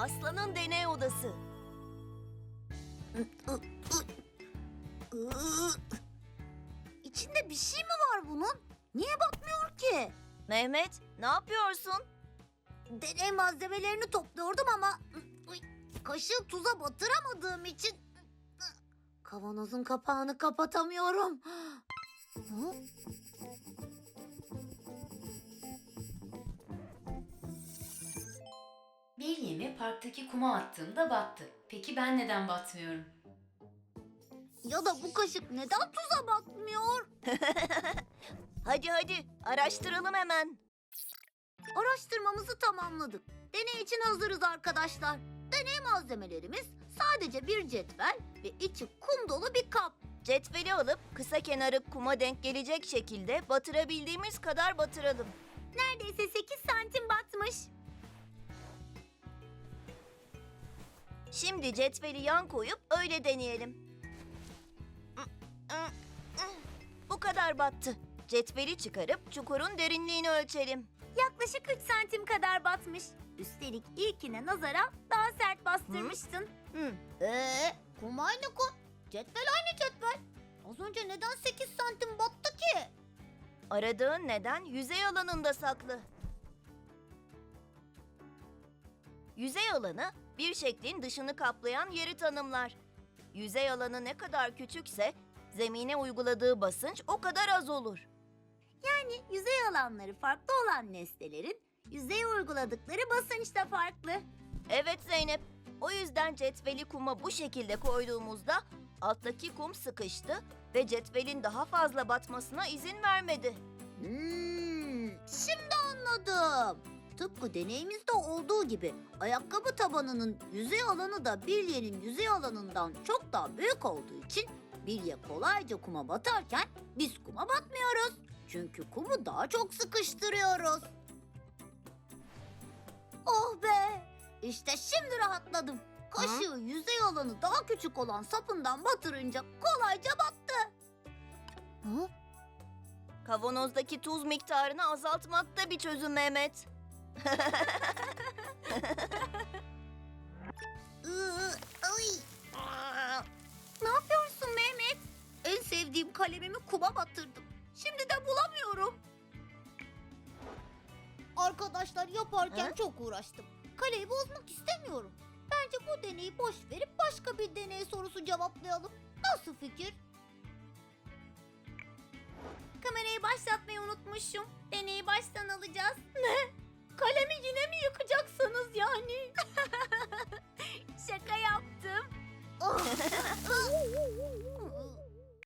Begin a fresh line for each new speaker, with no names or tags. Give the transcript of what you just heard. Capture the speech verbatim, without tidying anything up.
Aslan'ın deney odası.
İçinde bir şey mi var bunun? Niye batmıyor ki?
Mehmet, ne yapıyorsun?
Deney malzemelerini topluyordum ama uy, kaşığı tuza batıramadığım için kavanozun kapağını kapatamıyorum. Hı?
Bir yemi parktaki kuma attığımda battı. Peki ben neden batmıyorum?
Ya da bu kaşık neden tuza batmıyor?
Hadi hadi, araştıralım hemen.
Araştırmamızı tamamladık. Deney için hazırız arkadaşlar. Deney malzemelerimiz sadece bir cetvel ve içi kum dolu bir kap.
Cetveli alıp kısa kenarı kuma denk gelecek şekilde batırabildiğimiz kadar batıralım.
Neredeyse sekiz santim batmış.
Şimdi cetveli yan koyup öyle deneyelim. Bu kadar battı. Cetveli çıkarıp çukurun derinliğini ölçelim.
Yaklaşık üç santim kadar batmış. Üstelik ilkine nazaran daha sert bastırmıştın.
Hı.
Ee, kum aynı kum. Cetvel aynı cetvel. Az önce neden sekiz santim battı ki?
Aradığın neden yüzey alanında saklı. Yüzey alanı bir şeklin dışını kaplayan yeri tanımlar. Yüzey alanı ne kadar küçükse zemine uyguladığı basınç o kadar az olur.
Yani yüzey alanları farklı olan nesnelerin yüzeye uyguladıkları basınç da farklı.
Evet Zeynep, o yüzden cetveli kuma bu şekilde koyduğumuzda alttaki kum sıkıştı ve cetvelin daha fazla batmasına izin vermedi.
Hmm, şimdi anladım. Tıpkı deneyimizde olduğu gibi ayakkabı tabanının yüzey alanı da bilyenin yüzey alanından çok daha büyük olduğu için bilye kolayca kuma batarken biz kuma batmıyoruz. Çünkü kumu daha çok sıkıştırıyoruz. Oh be! İşte şimdi rahatladım. Kaşığı yüzey alanı daha küçük olan sapından batırınca kolayca battı. Hı?
Kavanozdaki tuz miktarını azaltmak da bir çözüm Mehmet.
Iı, ay. Ne yapıyorsun Mehmet? En sevdiğim kalemimi kuma batırdım. Şimdi de bulamıyorum. Arkadaşlar yaparken
He?
çok uğraştım. Kaleyi bozmak istemiyorum. Bence bu deneyi boş verip başka bir deney sorusu cevaplayalım. Nasıl fikir? Kamerayı başlatmayı unutmuşum. Deneyi baştan alacağız. Ne? Kalemi yine mi yıkacaksınız yani?